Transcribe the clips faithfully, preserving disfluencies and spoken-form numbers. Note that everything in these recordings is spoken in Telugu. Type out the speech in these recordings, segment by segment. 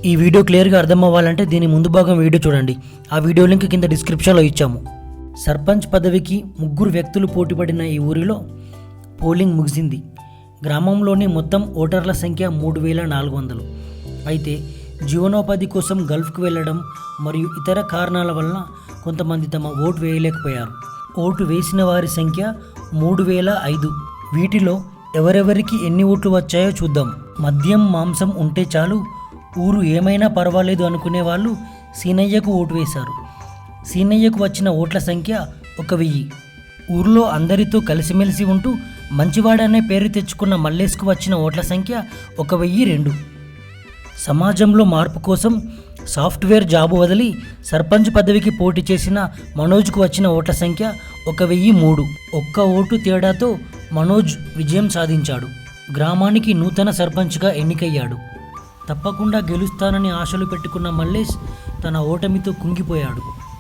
ఈ వీడియో క్లియర్గా అర్థం అవ్వాలంటే దీని ముందు భాగం వీడియో చూడండి. ఆ వీడియో లింక్ కింద డిస్క్రిప్షన్లో ఇచ్చాము. సర్పంచ్ పదవికి ముగ్గురు వ్యక్తులు పోటీపడిన ఈ ఊరిలో పోలింగ్ ముగిసింది. గ్రామంలోని మొత్తం ఓటర్ల సంఖ్య మూడు వేల నాలుగు వందలు. అయితే జీవనోపాధి కోసం గల్ఫ్కు వెళ్ళడం మరియు ఇతర కారణాల వలన కొంతమంది తమ ఓటు వేయలేకపోయారు. ఓటు వేసిన వారి సంఖ్య మూడు వేల ఐదు. వీటిలో ఎవరెవరికి ఎన్ని ఓట్లు వచ్చాయో చూద్దాం. మద్యం మాంసం ఉంటే చాలు, ఊరు ఏమైనా పర్వాలేదు అనుకునే వాళ్ళు సీనయ్యకు ఓటు వేశారు. సీనయ్యకు వచ్చిన ఓట్ల సంఖ్య ఒక వెయ్యి. ఊరిలో అందరితో కలిసిమెలిసి ఉంటూ మంచివాడనే పేరు తెచ్చుకున్న మల్లేష్కు వచ్చిన ఓట్ల సంఖ్య ఒక వెయ్యి రెండు. సమాజంలో మార్పు కోసం సాఫ్ట్వేర్ జాబు వదిలి సర్పంచ్ పదవికి పోటీ చేసిన మనోజ్కు వచ్చిన ఓట్ల సంఖ్య ఒక వెయ్యి మూడు. ఒక్క ఓటు తేడాతో మనోజ్ విజయం సాధించాడు. గ్రామానికి నూతన సర్పంచ్గా ఎన్నికయ్యాడు. తప్పకుండా గెలుస్తానని ఆశలు పెట్టుకున్న మల్లేష్ తన ఓటమితో కుంగిపోయాడు.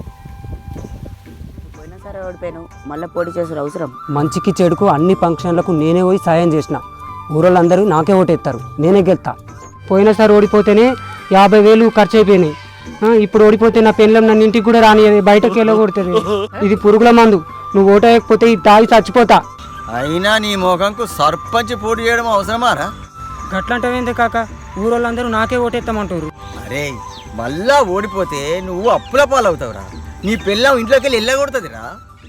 పోయినసారి ఓడిపోయాను, మళ్ళీ పోటీ చేసే అవసరం. మంచికి చెడుకు అన్ని ఫంక్షన్లకు నేనే పోయి సాయం చేసిన. ఊరోళ్ళందరూ నాకే ఓటేస్తారు, నేనే గెలుతా. పోయినసారి ఓడిపోతేనే యాభై వేలు ఖర్చు అయిపోయినాయి. ఇప్పుడు ఓడిపోతే నా పెళ్ళం నన్ను ఇంటికి కూడా రానియదు, బయటకు వెళ్ళకూడుతుంది. ఇది పురుగుల మందు, నువ్వు ఓటు వేయకపోతే ఇది తాగి చచ్చిపోతా. అయినా నీ మోకంకు సర్పంచ్ పోటీ చేయడం అవసరమారా? గట్లంటే కాక ఊరోళ్ళందరూ నాకే ఓటేస్తామంటారు. అరే మళ్ళా ఓడిపోతే నువ్వు అప్పుల పాలవుతావురా. నీ పిల్లం ఇంట్లోకి వెళ్ళి వెళ్ళగొడుతుందిరా.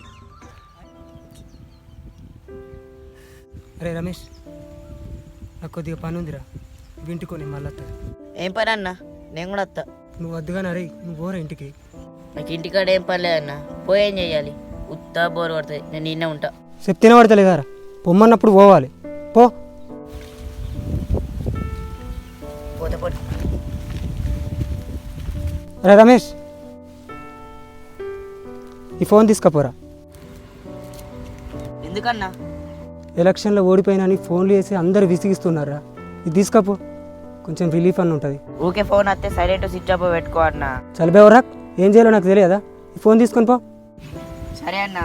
అరే రమేష్, నాకు కొద్దిగా పని ఉందిరా, వింటుకొని మళ్ళీ వస్తా. ఏం పని అన్న? నేను కూడా వస్తా. నువ్వు వద్దుగానే అరే, నువ్వు పోరా ఇంటికి. నాకు ఇంటికాడ ఏం పని లేదన్న, పోయి ఏం చెయ్యాలి? ఉత్తా బోర్ పడుతుంది, నేను నిన్నే ఉంటా. చెప్తేనే పడతలేదారా, పొమ్మన్నప్పుడు పోవాలి. పో పోతే పోటీ. అరే రమేష్, ఈ ఫోన్ తీసుకపోరా. ఎందుకన్నా? ఎలక్షన్లో ఓడిపోయినా అని ఫోన్లు చేసి అందరు విసిగిస్తున్నారా. ఇది తీసుకపో, కొంచెం రిలీఫ్ అని ఉంటుంది. ఊకే ఫోన్ వస్తే సైలెంట్ స్విచ్ ఆఫ్ పెట్టుకో అన్న. చలిపోవరా, ఏం చేయాలో నాకు తెలియదా. ఈ ఫోన్ తీసుకొని పో. సరే అన్న.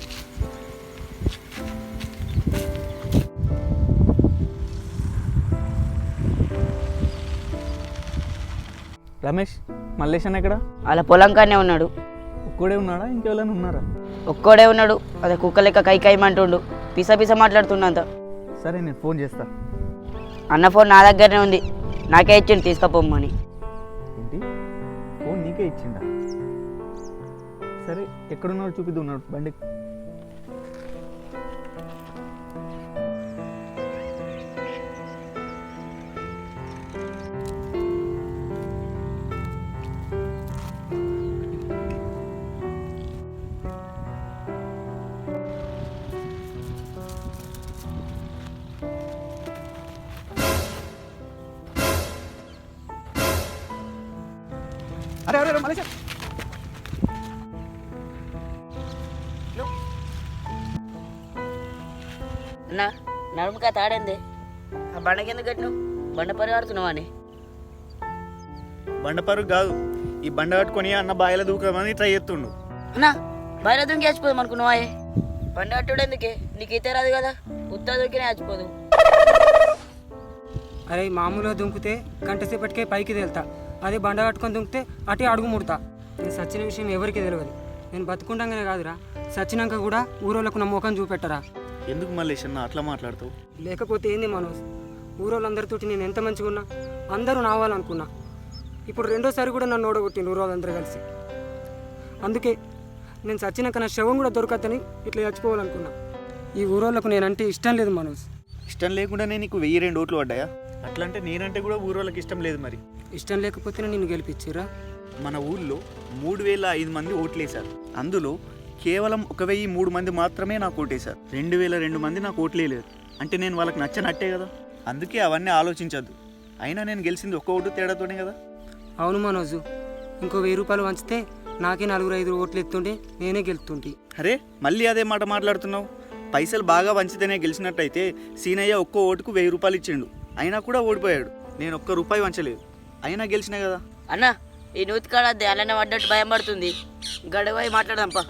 రమేష్, మల్లేష్ అన్న ఎక్కడ? అలా పొలం కానే ఉన్నాడు. ఒక్కడే ఉన్నాడా, ఇంకెవరైనా ఉన్నారా? ఒక్కడే ఉన్నాడు. అదే కుక్క లెక్క కై కైమంటుండు, పిస పిస మాట్లాడుతున్నంత. సరే నేను ఫోన్ చేస్తా. అన్న ఫోన్ నా దగ్గరనే ఉంది, నాకే ఇచ్చిండు తీసుకపోమ్మని. ఏంటి, ఫోన్ నీకే ఇచ్చిండా? సరే ఎక్కడున్నాడు చూపిద్దు. ఉన్నాడు బండి. అరే అరే మలేష్, అన్న నడుముకా తాడేంది? ఆ బండకెందుకు కట్టినావు? బండ పరివాడుతున్నావా అని? బండ పరుగు కాదు, ఈ బండ కట్టుకొని అన్న బాయిల దూకమని ట్రై చేస్తుండు. అన్న బయట దూకి చచ్చిపోదాం అనుకున్నావా? బండ కట్టుడు ఎందుకే? నీకు ఈత రాదు కదా, ఉత్తా దూకినే చచ్చిపోదు. అరే మామూలుగా దుంకితే గంట సేపటికే పైకి తేలుతా, అదే బండ కట్టుకొని దుంకితే అటే అడుగు ముడతా. నేను సచ్చిన విషయం ఎవరికి తెలియదు. నేను బతుకుంటాగానే కాదురా, సచ్చినాక కూడా ఊరోళ్ళకు నా ముఖం చూపెట్టరా. ఎందుకు మల్లేష్ అన్న అట్లా మాట్లాడుతావు? లేకపోతే ఏంది మనోజ్, ఊరోళ్ళందరితోటి నేను ఎంత మంచిగా ఉన్నా, అందరూ నావాలనుకున్నా. ఇప్పుడు రెండోసారి కూడా నన్ను ఓడగొట్టిండు ఊరోళ్ళందరూ కలిసి. అందుకే నేను సచ్చినాక నా శవం కూడా దొరకద్దని ఇట్లా చచ్చిపోవాలనుకున్నా. ఈ ఊరోళ్ళకు నేనంటే ఇష్టం లేదు మనోజ్. ఇష్టం లేకుండానే నీకు వెయ్యి రెండు ఓట్లు పడ్డాయా? అట్లా అంటే నేనంటే కూడా ఊరోళ్ళకి ఇష్టం లేదు. మరి ఇష్టం లేకపోతేనే నిన్ను గెలిపించారా? మన ఊళ్ళో మూడు వేల ఐదు మంది ఓట్లేశారు. అందులో కేవలం ఒక వెయ్యి మూడు మంది మాత్రమే నాకు ఓటేశారు. రెండు వేల రెండు మంది నాకు ఓట్లేదు. అంటే నేను వాళ్ళకి నచ్చనట్టే కదా. అందుకే అవన్నీ ఆలోచించద్దు. అయినా నేను గెలిచింది ఒక్క ఓటు తేడాతోనే కదా. అవును మనోజు, ఇంకో వెయ్యి రూపాయలు వంచితే నాకే నలుగురు ఐదు ఓట్లు ఎత్తుంటే నేనే గెలుతుంటే. అరే మళ్ళీ అదే మాట మాట్లాడుతున్నావు. పైసలు బాగా వంచితేనే గెలిచినట్టయితే సీనయ్య ఒక్కో ఓటుకు వెయ్యి రూపాయలు ఇచ్చిండు, అయినా కూడా ఓడిపోయాడు. నేను ఒక్క రూపాయి వంచలేదు, అయినా గెలిచినా కదా. అన్న ఈ నూతి కాడద్దే, అలానే పడ్డట్టు భయం పడుతుంది. గడవై మాట్లాడదాంపా.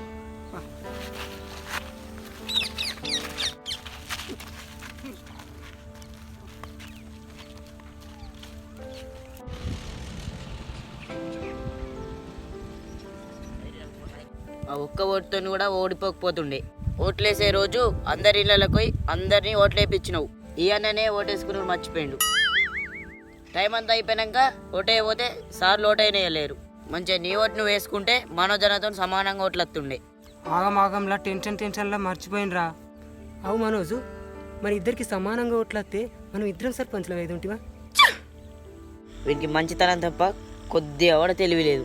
ఆ ఒక్క ఓటుతో కూడా ఓడిపోకపోతుండే. ఓట్లేసే రోజు అందరి ఇళ్ళకి పోయి అందరినీ ఓట్లేపించినావు. ఈ అన్ననే ఓటేసుకుని మర్చిపోయిండు. టైం అంతా అయిపోయాక ఓటేయపోతే సార్లు ఓటైనాయలేరు. మంచిగా నీ ఓటు నువ్వు వేసుకుంటే మనోజనతో సమానంగా ఓట్లు వస్తుండే. ఆగం ఆగంలా టెన్షన్ టెన్షన్లా మర్చిపోయినరా. అవు మనోజు, మరి ఇద్దరికి సమానంగా ఓట్లస్తే మనం ఇద్దరం సర్పంచ్లో వేదుంటివా? వీనికి మంచితనం తప్ప కొద్దిగా కూడా తెలివి లేదు.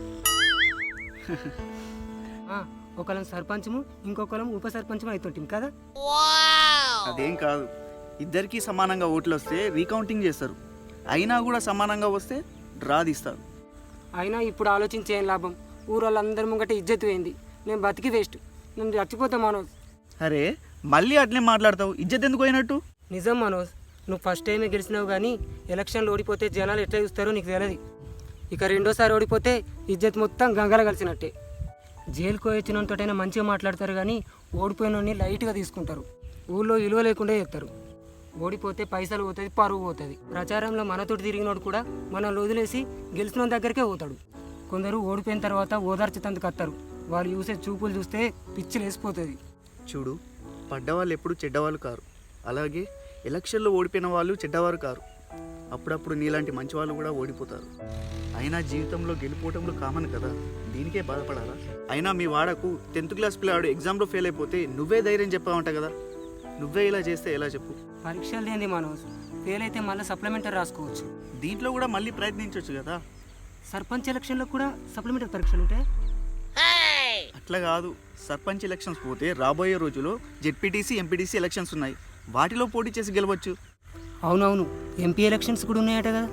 ఒకళ్ళం సర్పంచము ఇంకొకళ్ళం ఉప సర్పంచము అవుతుంటాం కదా. అదేం కాదు, ఇద్దరికి సమానంగా ఓట్లు వస్తే రీకౌంటింగ్ చేస్తారు. అయినా కూడా సమానంగా వస్తే డ్రా తీస్తారు. అయినా ఇప్పుడు ఆలోచించే ఏం లాభం? ఊరోళ్ళందరి ముంగట ఇజ్జత్ పోయింది. నేను బతికి వేస్ట్, నేను చచ్చిపోతా మనోజ్. అరే మళ్ళీ అట్లే మాట్లాడతావు, ఇజ్జత్ ఎందుకు పోయినట్టు? నిజం మనోజ్, నువ్వు ఫస్ట్ టైమే గెలిచినావు కానీ ఎలక్షన్లో ఓడిపోతే జనాలు ఎట్లా చూస్తారో నీకు తెలియదు. ఇక రెండోసారి ఓడిపోతే ఇజ్జత్ మొత్తం గంగల కలిసినట్టే. జైలుకు వచ్చినంతటైనా మంచిగా మాట్లాడతారు కానీ ఓడిపోయినోడిని లైట్గా తీసుకుంటారు. ఊళ్ళో విలువ లేకుండా చేస్తారు. ఓడిపోతే పైసలు పోతుంది, పరువు పోతుంది. ప్రచారంలో మనతోటి తిరిగినోడు కూడా మనల్ని వదిలేసి గెలిచిన దగ్గరికే పోతాడు. కొందరు ఓడిపోయిన తర్వాత ఓదార్చేందుకు వస్తారు. వాళ్ళు చూసే చూపులు చూస్తే పిచ్చి లేసిపోతుంది. చూడు, పడ్డవాళ్ళు ఎప్పుడు చెడ్డవాళ్ళు కారు, అలాగే ఎలక్షన్లో ఓడిపోయిన వాళ్ళు చెడ్డవారు కారు. అప్పుడప్పుడు నీలాంటి మంచి వాళ్ళు కూడా ఓడిపోతారు. అయినా జీవితంలో గెలిపోవటంలో కామన్ కదా, దీనికే బాధపడాలా? అయినా మీ వాడకు టెన్త్ క్లాస్ పిల్లాడు ఎగ్జామ్లో ఫెయిల్ అయిపోతే నువ్వే ధైర్యం చెప్పావంట కదా. నువ్వే ఇలా చేస్తే ఎలా చెప్పు? పరీక్షలు ఏంది మనోజ్, ఫెయిల్ అయితే మళ్ళీ సప్లిమెంటరీ రాసుకోవచ్చు. దీంట్లో కూడా మళ్ళీ ప్రయత్నించవచ్చు కదా. సర్పంచ్ ఎలక్షన్లో కూడా సప్లిమెంటరీ పరీక్షలు ఉంటాయి. అట్లా కాదు, సర్పంచ్ ఎలక్షన్స్ పోతే రాబోయే రోజుల్లో జెడ్పీటీసీ ఎంపీటీసీ ఎలక్షన్స్ ఉన్నాయి, వాటిలో పోటీ చేసి గెలవచ్చు. అవునవును, ఎంపీ ఎలక్షన్స్ కూడా ఉన్నాయట కదా.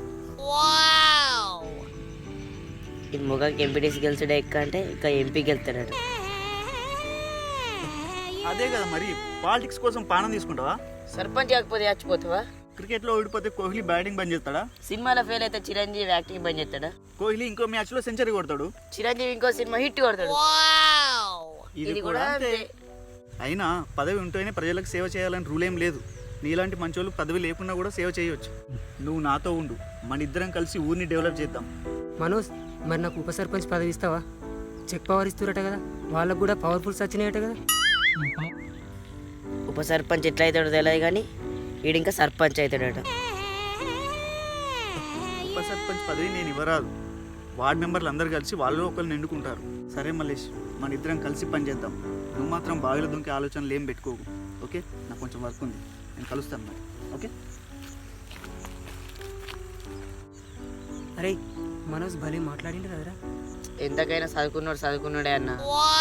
ఇది మొగాకి ఎంపీటీసీ గెలిచాడే ఎక్క అంటే ఇంకా ఎంపీ గెలుతాడట. అదే కదా మరి, పాలిటిక్స్ కోసం పానం తీసుకుంటావా? సర్పంచ్ కాకపోతే చచ్చిపోతావా? క్రికెట్లో ఓడిపోతే కోహ్లీ బ్యాటింగ్ బంద్ చేస్తాడా? సినిమాలో ఫెయిల్ అయితే చిరంజీవి యాక్టింగ్ బంద్ చేస్తాడా? కోహ్లీ ఇంకో మ్యాచ్లో సెంచరీ కొడతాడు, చిరంజీవి ఇంకో సినిమా హిట్ కొడతాడు. ఇది కూడా అంతే. అయినా పదవి ఉంటేనే ప్రజలకు సేవ చేయాలని రూల్ ఏం లేదు. నీలాంటి మంచోళ్ళు పదవి లేకున్నా కూడా సేవ చేయవచ్చు. నువ్వు నాతో ఉండు, మన ఇద్దరం కలిసి ఊరిని డెవలప్ చేద్దాం. మనోజ్, మరి నాకు ఉప సర్పంచ్ పదవి ఇస్తావా? చెక్ పవర్ ఇస్తురట కదా, వాళ్ళకు కూడా పవర్ఫుల్స్ వచ్చినాయట కదా. ఉప సర్పంచ్ ఎట్లా అవుతాడో తెలియదు కానీ వీడు ఇంకా సర్పంచ్ అవుతాడట. ఉప సర్పంచ్ పదవి నేను ఇవ్వరాదు, వార్డ్ మెంబర్లు అందరు కలిసి వాళ్ళు ఒకరిని ఎన్నుకుంటారు. సరే మల్లేష్, మన ఇద్దరం కలిసి పని చేద్దాం. నువ్వు మాత్రం బావిలో దుంకే ఆలోచనలు ఏం పెట్టుకోకు, ఓకే? నాకు కొంచెం వర్క్ ఉంది, నేను కలుస్తాను మరి, ఓకే? అరే మనోజ్ భలే మాట్లాడిండు కదరా. ఎంతకైనా చదువుకున్నాడు చదువుకున్నాడే అన్న.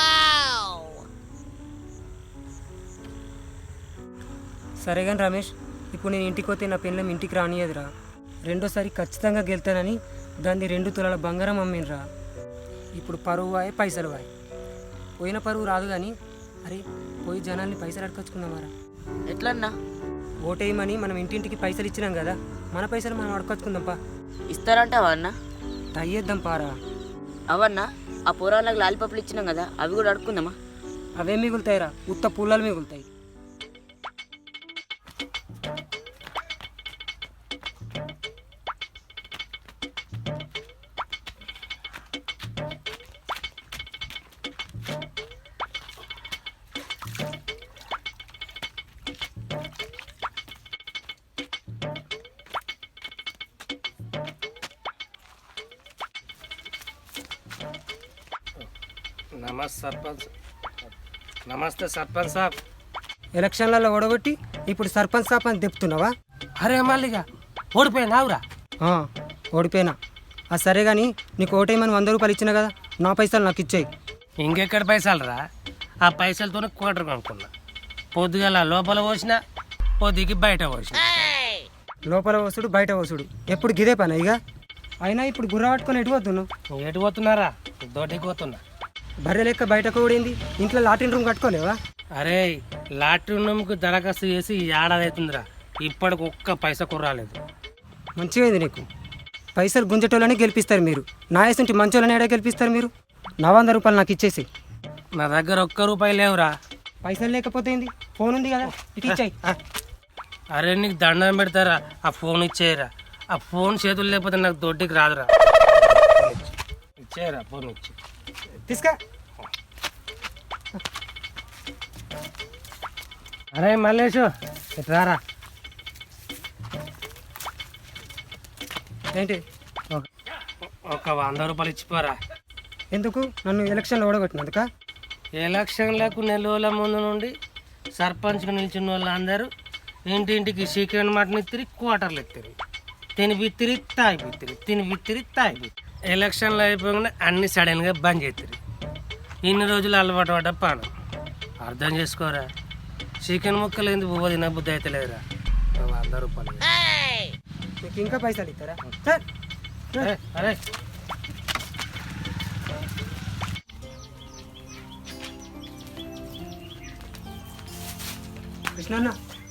సరే కానీ రమేష్, ఇప్పుడు నేను ఇంటికి పోతే నా పెళ్ళం ఇంటికి రానియదురా. రెండోసారి ఖచ్చితంగా గెలుతానని దాన్ని రెండు తులాల బంగారం అమ్మినరా. ఇప్పుడు పరువు వాయే పైసలు వాయే. పోయిన పరువు రాదు కానీ అరే పోయి జనాల్ని పైసలు అడకొచ్చుకుందామారా. ఎట్లన్నా? ఓటేయమని మనం ఇంటింటికి పైసలు ఇచ్చినాం కదా, మన పైసలు మనం అడకొచ్చుకుందాంపా. ఇస్తారంటావా అన్న? ట్రై చేద్దాం పారా. అవన్నా ఆ పురాణాలకు లాలిపప్పులు ఇచ్చినాం కదా, అవి కూడా అడుక్కుందామా? అవే మిగులుతాయిరా, ఉత్త పుల్లలు మిగులుతాయి. నమస్తే సర్పంచ్. నమస్తే సర్పంచ్ సాబ్. ఎలక్షన్లలో ఓడగొట్టి ఇప్పుడు సర్పంచ్ సాబ్ అని చెప్తున్నావా? అరే మళ్ళీగా ఓడిపోయినావురా. ఆ, ఓడిపోయినా. ఆ సరే కానీ నీకు ఓటేయమని వంద రూపాయలు ఇచ్చినా కదా, నా పైసలు నాకు ఇచ్చేయి. ఇంకెక్కడ పైసలు రా? ఆ పైసలతోనే కోటర్ కొనుక్కున్నా. పొద్దుగల లోపల పోసిన, పొద్దుకి బయట పోసిన. లోపల వసుడు బయట వసుడు ఎప్పుడు గిదే పని ఇక. అయినా ఇప్పుడు గుర్ర పట్టుకొని ఎటు పోతున్నావు? ఎటు పోతున్నారా? దొడ్డికి పోతున్నా. బర్రె లెక్క బయటకు ఓడింది, ఇంట్లో లాటిన్ రూమ్ కట్టుకోలేవా? అరే లాటరీ రూమ్కి దరఖాస్తు చేసి ఏడాది అవుతుందిరా, ఇప్పటికి ఒక్క పైసా కుర్రాలేదు. మంచిగా నీకు. పైసలు గుంజటోళ్ళని గెలిపిస్తారు మీరు, నా వేసుంటి మంచోళ్ళని ఏడా గెలిపిస్తారు మీరు? నా వంద రూపాయలు నాకు ఇచ్చేసి. నా దగ్గర ఒక్క రూపాయి లేవురా. పైసలు లేకపోతే ఏంది, ఫోన్ ఉంది కదా, ఇటు ఇచ్చాయి. అరే నీకు దండం పెడతారా, ఆ ఫోన్ ఇచ్చేయరా. ఆ ఫోన్ చేతులు లేకపోతే నాకు దొడ్డికి రాదురా. ఇచ్చేయరా ఫోన్ ఇచ్చి. తీసుకా. అరే మల్లేషు రారా. ఏంటి ఒక వంద రూపాయలు ఇచ్చిపోరా. ఎందుకు నన్ను ఎలక్షన్లో ఓడగొట్టినందుక? ఎలక్షన్లకు నెల రోజుల ముందు నుండి సర్పంచ్కి నిలిచిన వాళ్ళందరూ ఇంటింటికి చికెన్ మటన్ ఇత్తిరి, క్వార్టర్లు ఇత్తిరి, తిని బిత్తిరి తాగి బిత్తిరి, తిని బిత్తిరి తాగి బిత్తిరి. ఎలక్షన్లు అయిపోగానే అన్ని సడన్గా బంద్ చేతిరి. ఇన్ని రోజులు అలవాటు పడ్డ పానం అర్థం చేసుకోరా. చికెన్ ముక్కలు ఎందుకు బువ్వ తిన బుద్ధి అయితే లేదురా. వంద రూపాయలు మీకు ఇంకా పైసలు ఇస్తారా? సార్ అరే అరే కృష్ణన్న.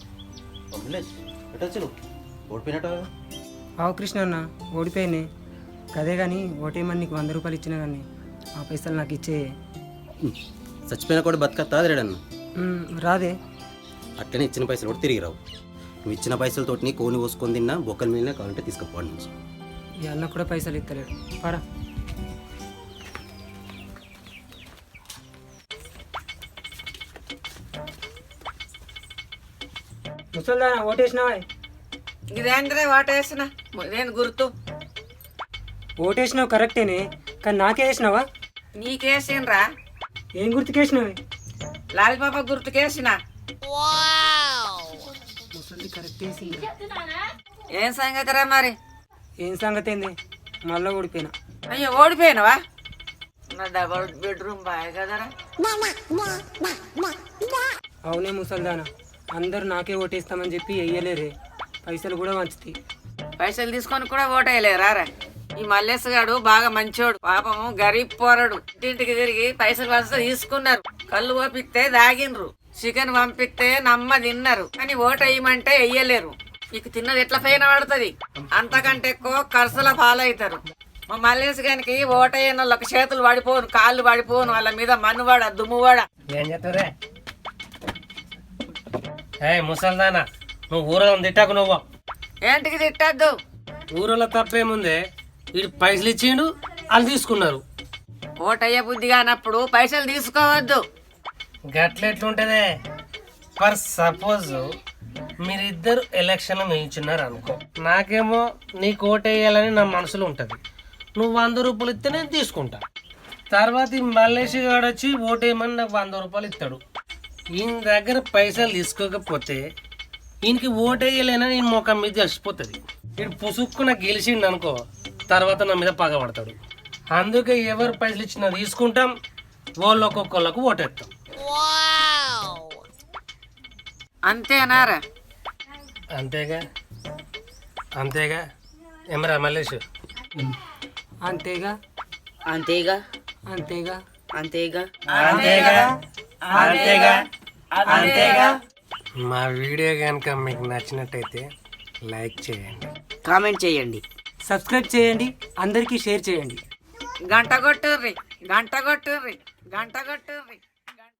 ఆవు కృష్ణన్న ఓడిపోయినాయి కదే కానీ ఓటేమని నీకు వంద రూపాయలు ఇచ్చినా కానీ ఆ పైసలు నాకు ఇచ్చే. చచ్చిపోయినా కూడా బతకత్తా రేడన్న. ఉమ్, రాదే. అట్లనే ఇచ్చిన పైసలు కూడా తిరిగి రావు. నువ్వు ఇచ్చిన పైసలతో నీ కోని పోసుకొని తిన్నా బొక్కల మీద కావాలంటే తీసుకుపోవాలి నుంచి. ఈ అన్న కూడా పైసలు ఇస్తలేడు. పరా ముసల్దానా ఓటేసినావా? ఇదేంద్రే వాటేసిన నేను గుర్తు ఓటేసినావు కరెక్టేనే, కానీ నాకే వేసినావా? నీకేసినరా? ఏం గుర్తుకేసినావే? లాలిపాప గుర్తుకేసిన. ముసలి కరెక్ట్ వేసింది. ఏం సంగతిరా మరి? ఏం సంగతి ఏంది? మళ్ళీ ఓడిపోయినా. అయ్యో ఓడిపోయినవా? నా డబల్ బెడ్రూమ్ బాయ్ కదరా. అవునే ముసల్దానా, అందరు నాకే ఓటేస్తామని చెప్పి వెయ్యలేరే, పైసలు కూడా వంచుతాయి. పైసలు తీసుకొని కూడా ఓటేయలేరా? ఈ మల్లేశ్ గాడు బాగా మంచోడు, పాపము గరీబ్ పోరడు. ఇంటింటికి తిరిగి పైసలు వస్తే తీసుకున్నారు, కళ్ళు పంపిస్తే దాగినరు, చికెన్ పంపిస్తే నమ్మ తిన్నారు, కానీ ఓటు వేయమంటే వెయ్యలేరు. మీకు తిన్నది ఎట్లా పైన పడుతుంది? అంతకంటే ఎక్కువ ఖర్చుల పాలవుతారు. మా మల్లేశ్ గారికి ఓటైన వాళ్ళకి చేతులు పడిపోను, కాళ్ళు పడిపోను, వాళ్ళ మీద మన్నువాడ దుమ్మువాడ. ఏం చెప్తారే? ఏ ముసల్దానా, నువ్వు ఊరలో తిట్టాకు. నువ్వు ఏంటికి తిట్టద్దు? ఊరలో తప్పేముందే, వీడు పైసలు ఇచ్చిండు వాళ్ళు తీసుకున్నారు. ఓటయ్య బుద్ధి కానప్పుడు పైసలు తీసుకోవద్దు. గట్లెట్లుంటదే? ఫర్ సపోజ్ మీరిద్దరు ఎలక్షన్లు నిల్చున్నారు అనుకో, నాకేమో నీకు ఓటేయాలని నా మనసులో ఉంటుంది. నువ్వు వంద రూపాయలు ఇస్తే నేను తీసుకుంటా. తర్వాత ఈ మల్లేష్ గాడు వచ్చి ఓటేయమని నాకు వంద రూపాయలు ఇస్తాడు. ఈయన దగ్గర పైసలు తీసుకోకపోతే ఈయనకి ఓటేయలేనని నేను ముఖం మీద తెలిసిపోతుంది. వీడు పుసుక్కున గెలిచిండు అనుకో, తర్వాత నా మీద పగబడతాడు. అందుకే ఎవరు పైసలు ఇచ్చినా తీసుకుంటాం, వాళ్ళు ఒక్కొక్కళ్ళకు ఓటేస్తాం. అంతేనారా? అంతేగా అంతేగా ఏమరా మల్లేష్? అంతేగా అంతేగా అంతేగా అంతేగా అంతేగా అంతేగా అంతేగా. మా వీడియో కనుక మీకు నచ్చినట్టయితే లైక్ చేయండి, కామెంట్ చేయండి, సబ్స్క్రైబ్ చేయండి, అందరికీ షేర్ చేయండి. గంట కొట్టుర్రి, గంట కొట్టుర్రి, గంట కొట్టుర్రి.